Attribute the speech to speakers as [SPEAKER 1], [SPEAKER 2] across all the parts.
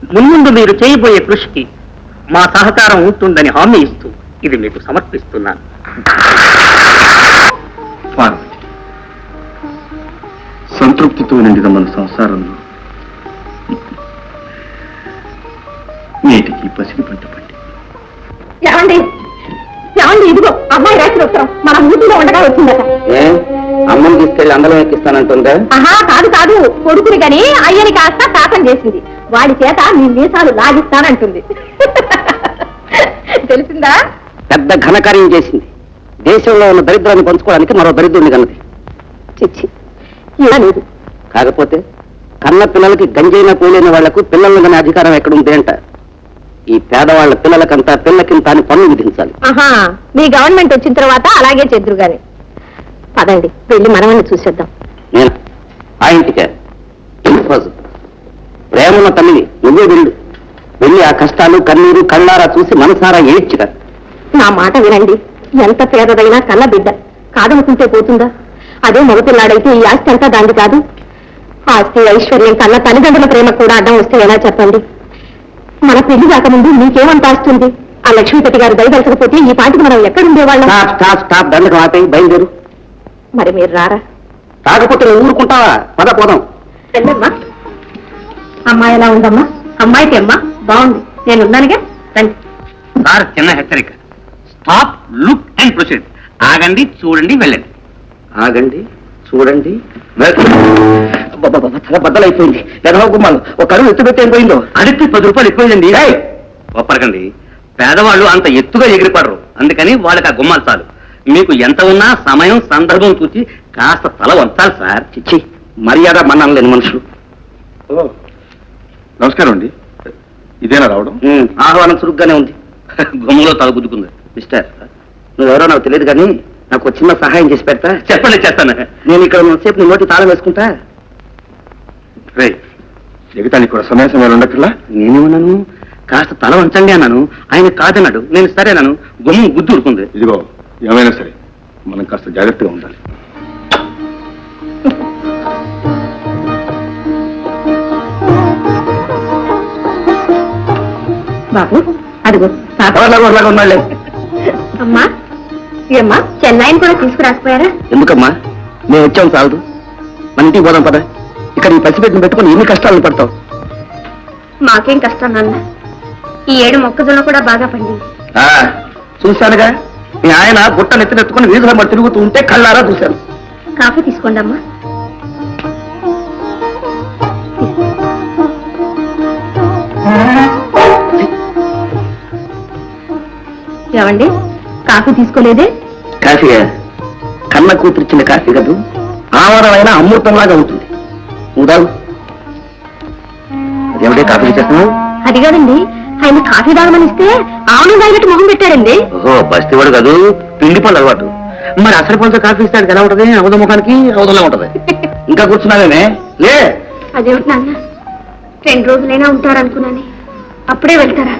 [SPEAKER 1] మున్ముందు మీరు చేయబోయే కృషికి మా సహకారం ఉంటుందని హామీ ఇస్తూ ఇది మీకు సమర్పిస్తున్నాను.
[SPEAKER 2] సంతృప్తితో నిండిన మన సంసారంలో నేటికి పసిడి పంట పట్టి.
[SPEAKER 3] ఏమండి ఏమండి, ఇదిగో అమ్మాయి రాసిన ఉత్తరం మన ఊపిలో ఉండగా వచ్చిందట.
[SPEAKER 1] అమ్మని తీసుకెళ్లి అందరం ఎక్కిస్తానంటుందా?
[SPEAKER 3] కాదు కాదు, కొడుకుని గని అయ్యని కాస్త శాపం చేసింది. వాడి చేత మీ మీసాలు లాగిస్తానంటుంది. తెలిసిందా?
[SPEAKER 1] పెద్ద ఘనకార్యం చేసింది. దేశంలో ఉన్న దరిద్రాన్ని పంచుకోవడానికి మరో దరిద్రుడిని కన్నది.
[SPEAKER 3] చిచ్చి ఇలా లేదు.
[SPEAKER 1] కాకపోతే కన్న పిల్లలకి గంజైన పోలేని వాళ్లకు పిల్లలను కానీ అధికారం ఎక్కడుంది అంట. ఈ పేదవాళ్ల పిల్లలకంతా పిల్లకింత అని పన్ను విధించాలి.
[SPEAKER 3] మీ గవర్నమెంట్ వచ్చిన తర్వాత అలాగే చెద్దురు గాని. పదండి వెళ్ళి మనమని చూసేద్దాం.
[SPEAKER 1] నేను ఆ ఇంటికే ప్రేమన్న తల్లిని నువ్వే వెళ్ళి ఆ కష్టాలు కన్నీరు కళ్ళారా చూసి మనసారా ఏడ్చిగా.
[SPEAKER 3] నా మాట వినండి. ఎంత పేదదైనా కన్న బిడ్డ కాదనుకుంటే పోతుందా? అదే మగపిల్లాడైతే ఈ ఆస్తి అంతా దాంది కాదు. ఆస్తి ఐశ్వర్యం కన్నా తల్లిదండ్రుల ప్రేమ కూడా అడ్డం వస్తే ఎలా చెప్పండి? మన పెళ్లి కాకముందు మీకేమంత ఆస్తుంది? ఆ లక్ష్మీపతి గారు దయదలచకపోతే ఈ పాటికి మనం ఎక్కడుండేవాళ్ళం?
[SPEAKER 1] దండకం ఆపేయి, బయలుదేరు.
[SPEAKER 3] మరి మీరు రారా?
[SPEAKER 1] కాకపోతే నువ్వు ఊరుకుంటావా? పద పోదాం.
[SPEAKER 3] వెళ్ళమ్మా. అమ్మాయి ఎలా ఉందమ్మా? అమ్మాయికి అమ్మా బాగుంది, నేను ఉన్నానుగా. రండి.
[SPEAKER 1] సార్, చిన్న హెచ్చరిక. Stop, look and proceed. ఆగండి, చూడండి, వెళ్ళండి. ఆగండి, చూడండి. చాలా బద్దలైపోయింది. ఎదవ గుమ్మాలు ఒక అడుగు ఎత్తు పెట్టి ఏం పోయిందో. అడిగి 10 రూపాయలు ఎక్కువైందండి. ఒప్పరకండి, పేదవాళ్ళు అంత ఎత్తుగా ఎగిరిపడరు. అందుకని వాళ్ళకి ఆ గుమ్మాలు చాలు. మీకు ఎంత ఉన్నా సమయం సందర్భం చూసి కాస్త తల వంచాలి సార్. చిచ్చి, మర్యాద మన్నాను లేని మనుషులు.
[SPEAKER 2] నమస్కారం అండి. ఇదేనా రావడం?
[SPEAKER 1] ఆహ్వానం చురుగ్గానే ఉంది. గుమ్మలో తల గుద్దుకుంది. మిస్టర్, నువ్వెవరో నాకు తెలియదు కానీ నాకు చిన్న సహాయం చేసి పెడతా. చెప్పండి, చేస్తాను. నేను ఇక్కడ సేపు నీ నోటి తాళం వేసుకుంటా.
[SPEAKER 2] రే, ఎగతానికి కూడా సమయ సమయాలు ఉండక్కర్లా.
[SPEAKER 1] నేనేమన్నాను? కాస్త తల వంచండి అన్నాను. ఆయన కాదన్నాడు. నేను సరేనాను. గుమ్మం గుద్దు ఉరుకుంది.
[SPEAKER 2] ఇదిగో, ఏమైనా సరే మనం కాస్త జాగ్రత్తగా ఉండాలి.
[SPEAKER 3] బాబు అడుగు.
[SPEAKER 1] ఉన్నాళ్ళే.
[SPEAKER 3] అమ్మా ఏమ్మా, చెన్నైని కూడా తీసుకురాకపోయారా?
[SPEAKER 1] ఎందుకమ్మా, మేము వచ్చాం చాలదు. మన ఇంటికి పోదాం పద. ఇక్కడ ఈ పసిపెట్టిన పెట్టుకుని ఎన్ని కష్టాలను పడతావు?
[SPEAKER 3] మాకేం కష్టం నాన్న. ఈ ఏడు మొక్కజొన్న కూడా బాగా పండింది.
[SPEAKER 1] చూశానుగా, మీ ఆయన గుట్టను ఎత్తునెత్తుకుని వీధుల మరి తిరుగుతూ ఉంటే కళ్ళారా చూశాను.
[SPEAKER 3] కాఫీ తీసుకోండి అమ్మా. ఏమండి, కాఫీ తీసుకోలేదే?
[SPEAKER 1] కాఫీయా? కన్న కూతురిచ్చిన కాఫీ కదూ, ఆవరమైన అమృతంలాగా ఉంటుంది. ఉదావు అదేమిటే కాఫీ చేస్తున్నావు?
[SPEAKER 3] అది కాదండి, ఆయన కాఫీ తాగమని ఇస్తే ఆవును తాగినట్టు మొహం పెట్టారండి.
[SPEAKER 1] ఓహో, బస్తీవాడు కాదు, పిండి పళ్ళు అలవాటు. మరి అసలు పంచ కాఫీ ఇస్తాడు ఎలా ఉంటది? అవధ ముఖానికి అవధంలా ఉంటది. ఇంకా కూర్చున్నావేమే? లే.
[SPEAKER 3] అదేమిటి నాన్న, 2 రోజులైనా ఉంటారనుకున్నాను. అప్పుడే వెళ్తారా?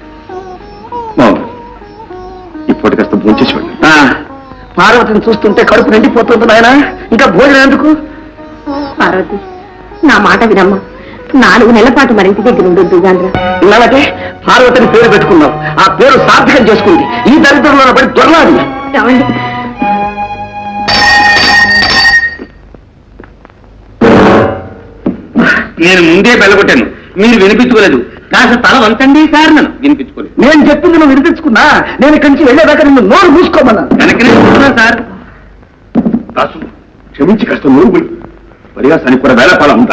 [SPEAKER 2] ఇప్పటి కాస్త భోంచేసి వెళ్ళి.
[SPEAKER 1] పార్వతిని చూస్తుంటే కడుపు నిండిపోతుంది నాయన. ఇంకా భోజనం ఎందుకు?
[SPEAKER 3] పార్వతి, నా మాట వినమ్మా. 4 నెలల పాటు మరి ఇంటి దగ్గర ఉండొద్దు గాంధ్ర.
[SPEAKER 1] ఇలాగే పార్వతిని పేరు పెట్టుకున్నావు. ఆ పేరు సార్థకం చేసుకుంది. ఈ దరిద్రంలో పడి దొరలాది. నేను ముందే బెల్లగొట్టాను, మీరు వినిపించుకోలేదు. కాస్త తల వంచండి సార్. నన్ను వినిపించుకోలేదు. నేను చెప్పింది నువ్వు వినిపించుకున్నా. నేను ఇక్కడి నుంచి వెళ్ళేదాకా నిన్ను నోరు మూసుకోమన్నా. వెనకనే సార్.
[SPEAKER 2] క్షమించి కాస్త నోరు పరిహాసానికి కూడా వేళపాల ఉంటా.